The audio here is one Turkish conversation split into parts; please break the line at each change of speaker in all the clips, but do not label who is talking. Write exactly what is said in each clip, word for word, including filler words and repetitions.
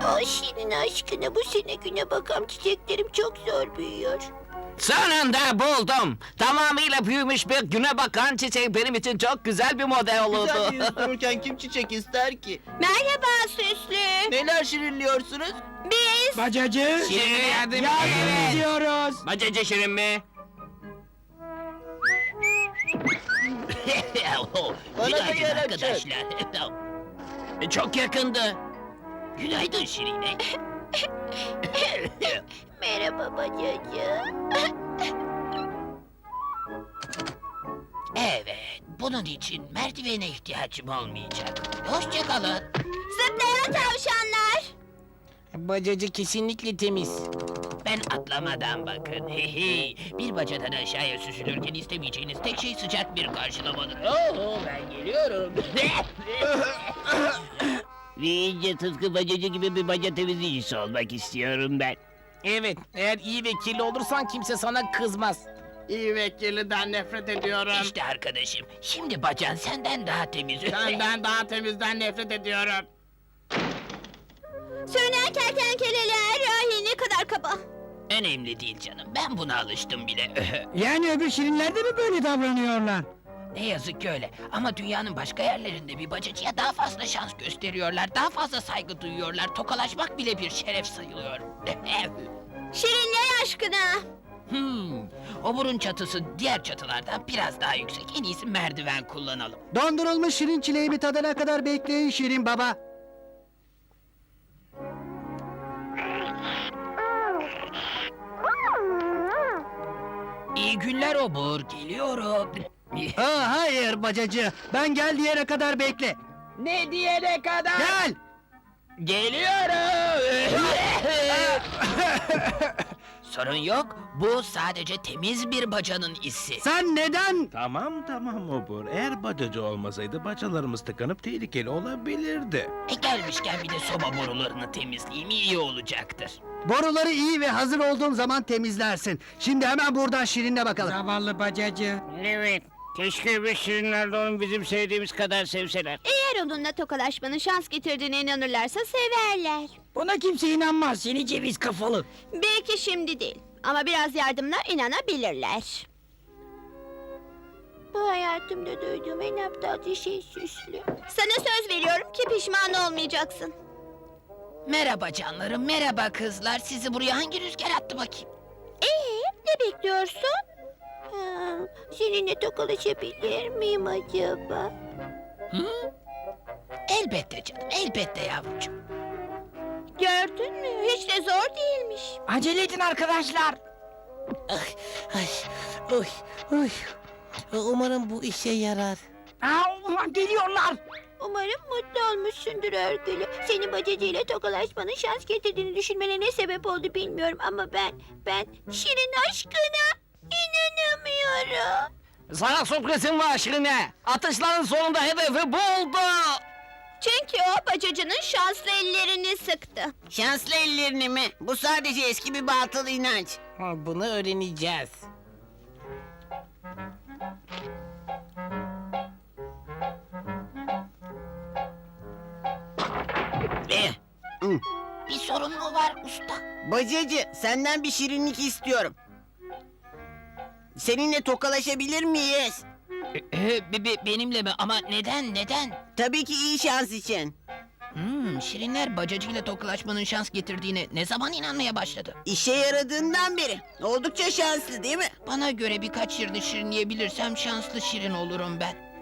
Ay Şirin aşkına, bu sene güne bakan çiçeklerim çok zor büyüyor.
Sonunda buldum. Tamamıyla büyümüş bir güne bakan çiçek benim için çok güzel bir model olurdu.
Güzel bir yüz dururken kim çiçek ister ki?
Merhaba Süslü.
Neler şirinliyorsunuz?
Biz...
Bacacı.
Şirin yardım
Yardım ediyoruz.
Bacacı Şirin mi?
Bana da
Günaydın
yer
arkadaşlar. Çok yakındı. Günaydın Şirine.
Merhaba bacacı.
Evet, bunun için merdivene ihtiyacım olmayacak. Hoşça kalın.
Zıplayan tavşanlar.
Bacacı kesinlikle temiz. Ben atlamadan bakın. Bir bacadan aşağıya süzülürken istemeyeceğiniz tek şey sıcak bir karşılamadır. Oo, ben geliyorum. Ve iyice tıpkı bacacı gibi bir baca temizleyicisi olmak istiyorum ben.
Evet, eğer iyi ve kirli olursan kimse sana kızmaz.
İyi ve kirliden nefret ediyorum.
İşte arkadaşım, şimdi bacan senden daha temiz.
Senden daha temizden nefret ediyorum.
Sürünen kertenkeleler. Ay ne kadar kaba.
Önemli değil canım, ben buna alıştım bile.
Yani öbür şirinler de mi böyle davranıyorlar?
Ne yazık ki öyle. Ama dünyanın başka yerlerinde bir bacacıya daha fazla şans gösteriyorlar. Daha fazla saygı duyuyorlar. Tokalaşmak bile bir şeref sayılıyor.
Şirinler aşkına.
hmm, oburun çatısı diğer çatılardan biraz daha yüksek. En iyisi merdiven kullanalım.
Dondurulmuş şirin çileğimi tadana kadar bekleyin Şirin Baba.
İyi günler obur, geliyorum.
Aa, hayır bacacı. Ben gel diyene kadar bekle.
Ne diyene kadar?
Gel.
Geliyorum. Sorun yok. Bu sadece temiz bir bacanın izi.
Sen neden?
Tamam tamam Obur. Eğer bacacı olmasaydı bacalarımız tıkanıp tehlikeli olabilirdi.
E gelmişken bir de soba borularını temizleyeyim, iyi olacaktır.
Boruları iyi ve hazır olduğum zaman temizlersin. Şimdi hemen buradan Şirin'le bakalım.
Zavallı bacacı.
Evet. Keşke bir şirinler de onu bizim sevdiğimiz kadar sevseler.
Eğer onunla tokalaşmanın şans getirdiğine inanırlarsa severler.
Buna kimse inanmaz seni ceviz kafalı.
Belki şimdi değil ama biraz yardımla inanabilirler. Bu hayatımda duyduğum en aptalca şey Süslü. Sana söz veriyorum ki pişman olmayacaksın.
Merhaba canlarım, merhaba kızlar. Sizi buraya hangi rüzgar attı bakayım?
Ee, ne bekliyorsun? Ha, seninle tokalaşabilir miyim acaba?
Hı? Elbette canım, elbette yavrucuğum.
Gördün mü? Hiç de zor değilmiş.
Acele edin arkadaşlar.
Ay, oy, oy. Umarım bu işe yarar.
Aa, ulan geliyorlar.
Umarım mutlu olmuşsundur örgülü. Senin bacacıyla tokalaşmanın şans getirdiğini düşünmene ne sebep oldu bilmiyorum ama ben, ben Şirin aşkına inanamıyorum.
Sana sürprizim var Şirine. Atışların sonunda hedefi buldu.
Çünkü o bacacının şanslı ellerini sıktı.
Şanslı ellerini mi? Bu sadece eski bir batıl inanç.
Bunu öğreneceğiz. Eh, Bir sorun mu var usta?
Bacacı, senden bir şirinlik istiyorum. Seninle tokalaşabilir miyiz?
Ee, be- be- benimle mi? Ama neden, neden?
Tabii ki iyi şans için.
Hmm, Şirinler bacacıyla tokalaşmanın şans getirdiğine ne zaman inanmaya başladı?
İşe yaradığından beri. Oldukça şanslı değil mi?
Bana göre birkaç yerini şirinleyebilirsem şanslı şirin olurum ben.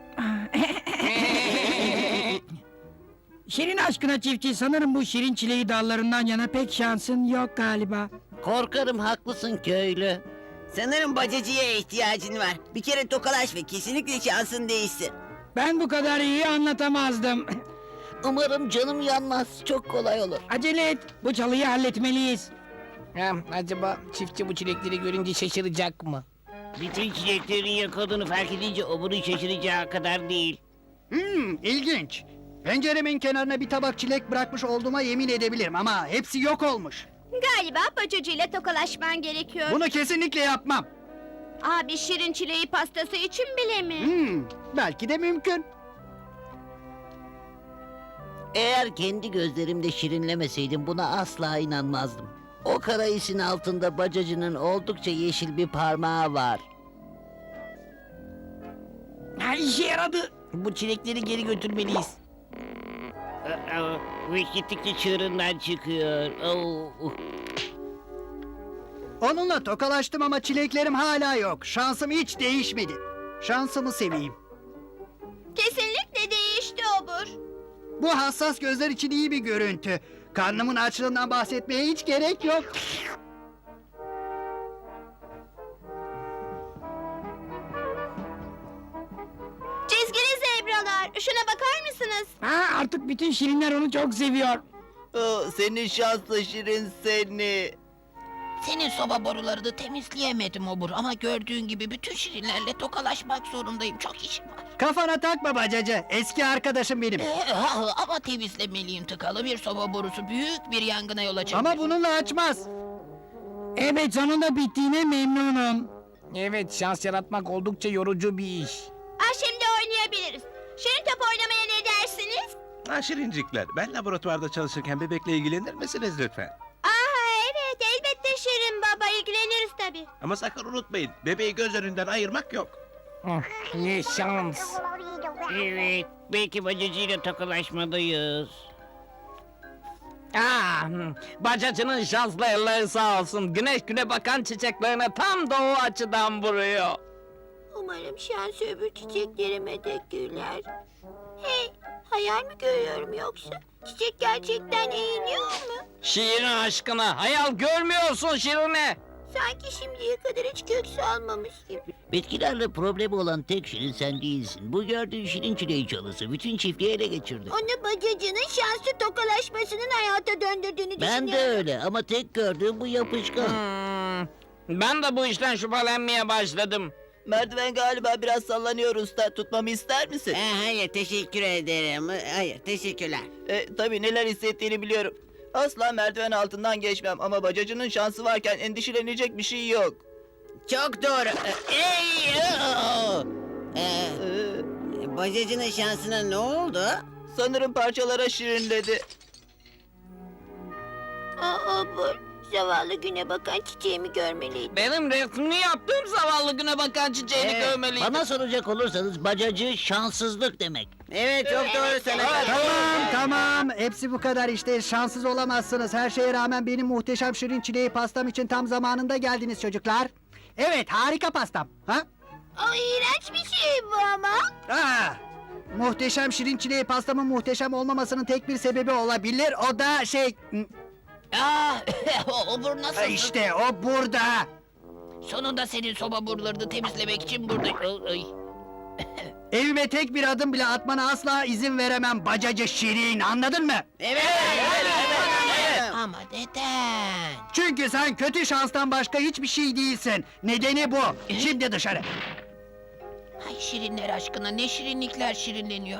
Şirin aşkına çiftçi sanırım bu şirin çileği dallarından yana pek şansın yok galiba.
Korkarım haklısın köylü. Sanırım bacacıya ihtiyacın var. Bir kere tokalaş ve kesinlikle şansın değişsin.
Ben bu kadar iyi anlatamazdım.
Umarım canım yanmaz. Çok kolay olur.
Acele et. Bu çalıyı halletmeliyiz.
Ha, acaba çiftçi bu çilekleri görünce şaşıracak mı?
Bütün çiçeklerin yok olduğunu fark edince oburun şaşıracağı kadar değil.
Hmm, ilginç. Penceremin kenarına bir tabak çilek bırakmış olduğuma yemin edebilirim ama hepsi yok olmuş.
Galiba bacacıyla tokalaşman gerekiyor.
Bunu kesinlikle yapmam.
Abi şirin çileği pastası için bile mi?
Hmm, belki de mümkün.
Eğer kendi gözlerimde şirinlemeseydim buna asla inanmazdım. O kara isin altında bacacının oldukça yeşil bir parmağı var.
Ha, işe yaradı. Bu çilekleri geri götürmeliyiz.
Aa, Bu iş gittikçe çığırından çıkıyor. Oo, uh.
Onunla tokalaştım ama çileklerim hala yok. Şansım hiç değişmedi. Şansımı seveyim.
Kesinlikle değişti Obur.
Bu hassas gözler için iyi bir görüntü. Karnımın açlığından bahsetmeye hiç gerek yok.
Çizgili zebralar. Şuna bakar mısınız?
Ha, artık bütün şirinler onu çok seviyor.
Senin şanslı şirin seni.
Senin soba borularını temizleyemedim Obur ama gördüğün gibi bütün şirinlerle tokalaşmak zorundayım. Çok işim var.
Kafana takma bacacı. Eski arkadaşım benim.
Ee, ha, ama temizlemeliyim, tıkalı bir soba borusu büyük bir yangına yol açabilir.
Ama bununla açmaz.
Evet, sonunda bittiğine memnunum.
Evet, şans yaratmak oldukça yorucu bir iş.
Ah, şimdi oynayabiliriz. Şirin top oynamaya ne dersiniz?
Ha şirincikler, ben laboratuvarda çalışırken bebekle ilgilenir misiniz lütfen?
Aha, evet, elbette Şirin baba, ilgileniriz tabii.
Ama sakın unutmayın, bebeği göz önünden ayırmak yok.
Ah, ne şans.
Evet, belki bacacıyla tokalaşmalıyız.
Ah, hmm, bacacının şanslı elleri sağ olsun. Güneş güne bakan çiçeklerine tam doğu açıdan vuruyor.
Umarım şans öbür çiçeklerime de güler. Hey, hayal mi görüyorum yoksa? Çiçek gerçekten eğiliyor mu?
Şirin aşkına, hayal görmüyorsun Şirine.
Sanki şimdiye kadar hiç kök salmamış gibi.
Bitkilerle problemi olan tek şirin sen değilsin. Bu gördüğün şirin çileği çalısı bütün çiftliği ele geçirdi.
Onu bacacının şanslı tokalaşmasının hayata döndürdüğünü
Ben de
düşünüyorum.
öyle ama tek gördüğüm bu yapışkan.
Hmm, ben de bu işten şüphelenmeye başladım.
Merdiven galiba biraz sallanıyor usta. Tutmamı ister misin? hayır teşekkür ederim. Hayır teşekkürler.
E, tabii neler hissettiğini biliyorum. Asla merdiven altından geçmem ama bacacının şansı varken endişelenecek bir şey yok.
Çok doğru. Ey! Ee,
Ee,
bacacının şansına ne oldu?
sanırım parçalara şirinledi.
Aa, Obur, zavallı güne bakan çiçeğimi görmeliydim.
Benim resmini yaptığım zavallı güne bakan çiçeğini
Ee,
görmeliydim.
Bana soracak olursanız bacacı şanssızlık demek. Evet çok doğru
Tamam tamam. Hepsi bu kadar işte. Şanssız olamazsınız. Her şeye rağmen benim muhteşem şirin çileği pastam için tam zamanında geldiniz çocuklar. Evet, harika pastam. Ha?
O iğrenç bir şey bu ama.
Aa, muhteşem şirin çileği pastamın muhteşem olmamasının tek bir sebebi olabilir. O da şey...
Ah, Obur nasıl?
İşte o burada.
Sonunda senin soba borularını temizlemek için buradayım. Ay, ay.
Evime tek bir adım bile atmana asla izin veremem bacacı şirin. Anladın mı?
Evet.
Ama neden?
Çünkü sen kötü şanstan başka hiçbir şey değilsin. Nedeni bu. Şimdi dışarı.
Ay şirinler aşkına, ne şirinlikler şirinleniyor.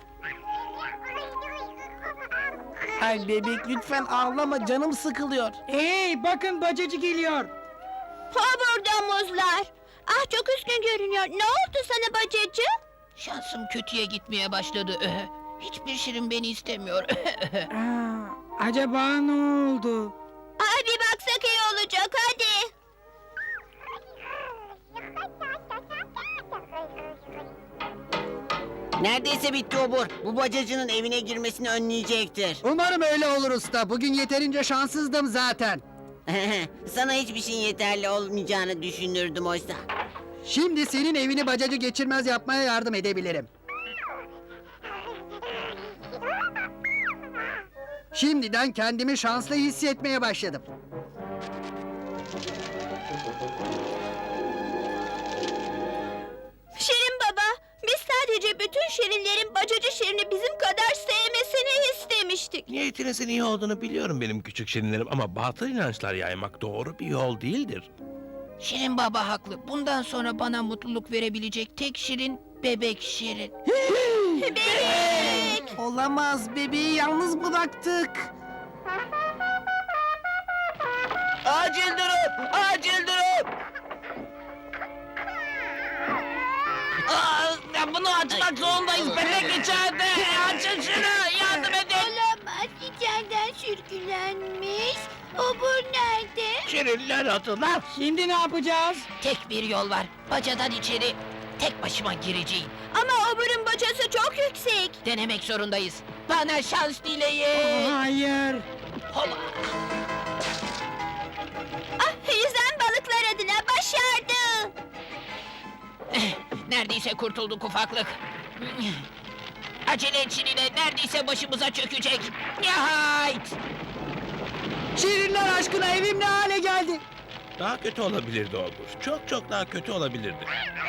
Ay bebek lütfen ağlama, canım sıkılıyor.
Hey, bakın bacacı geliyor.
Ha, burada muzlar. Ah, çok üzgün görünüyor. Ne oldu sana bacacı?
Şansım kötüye gitmeye başladı. Hiçbir şirin beni istemiyor.
Aa, acaba ne oldu?
Aa, bir baksak iyi olacak, hadi.
Neredeyse bitti obur. Bu bacacının evine girmesini önleyecektir.
Umarım öyle olur usta. Bugün yeterince şanssızdım zaten.
Sana hiçbir şeyin yeterli olmayacağını düşünürdüm oysa.
Şimdi senin evini bacacı geçirmez yapmaya yardım edebilirim. Şimdiden kendimi şanslı hissetmeye başladım.
Şirin baba, biz sadece bütün şirinlerin bacacı şirini bizim kadar sevmesini istemiştik.
Niyetinizin iyi olduğunu biliyorum benim küçük şirinlerim ama batıl inançlar yaymak doğru bir yol değildir.
Şirin baba haklı. Bundan sonra bana mutluluk verebilecek tek şirin bebek şirin.
Bebek!
Olamaz, bebeği yalnız bıraktık.
Acil durum! Acil durum!
Aa, ya bunu açmak zorundayız. Bebek içeride. Açın şunu. Yardım edin.
Obur nerede?
Şirinler adına.
Şimdi ne yapacağız?
Tek bir yol var. Bacadan içeri tek başıma gireceğim.
Ama oburun bacası çok yüksek.
Denemek zorundayız. Bana şans dileyin.
Hayır.
Hola.
Ah, yüzen balıklar adına başardı.
Neredeyse kurtulduk ufaklık. Acele et Şirin'e, neredeyse başımıza çökecek. Nihayet!
Şirinler aşkına evim ne hale geldi?
Daha kötü olabilirdi Obur. Çok çok daha kötü olabilirdi.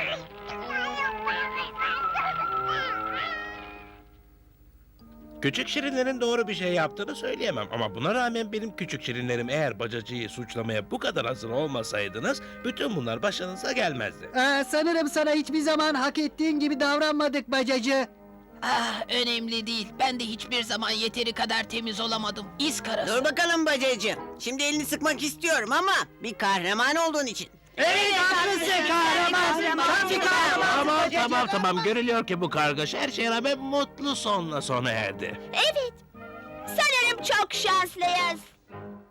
Küçük şirinlerin doğru bir şey yaptığını söyleyemem ama buna rağmen benim küçük şirinlerim eğer bacacıyı suçlamaya bu kadar hazır olmasaydınız bütün bunlar başınıza gelmezdi.
Ee, sanırım sana hiçbir zaman hak ettiğin gibi davranmadık bacacı.
Ah, önemli değil. Ben de hiçbir zaman yeteri kadar temiz olamadım. İz karası.
Dur bakalım bacacığım. Şimdi elini sıkmak istiyorum ama bir kahraman olduğun için.
Evet haklısın kahraman. Tabii kahraman.
Tamam tamam tamam görülüyor ki bu kargaşa her şeye rağmen mutlu sonla sona erdi.
Evet. Sanırım çok şanslıyız.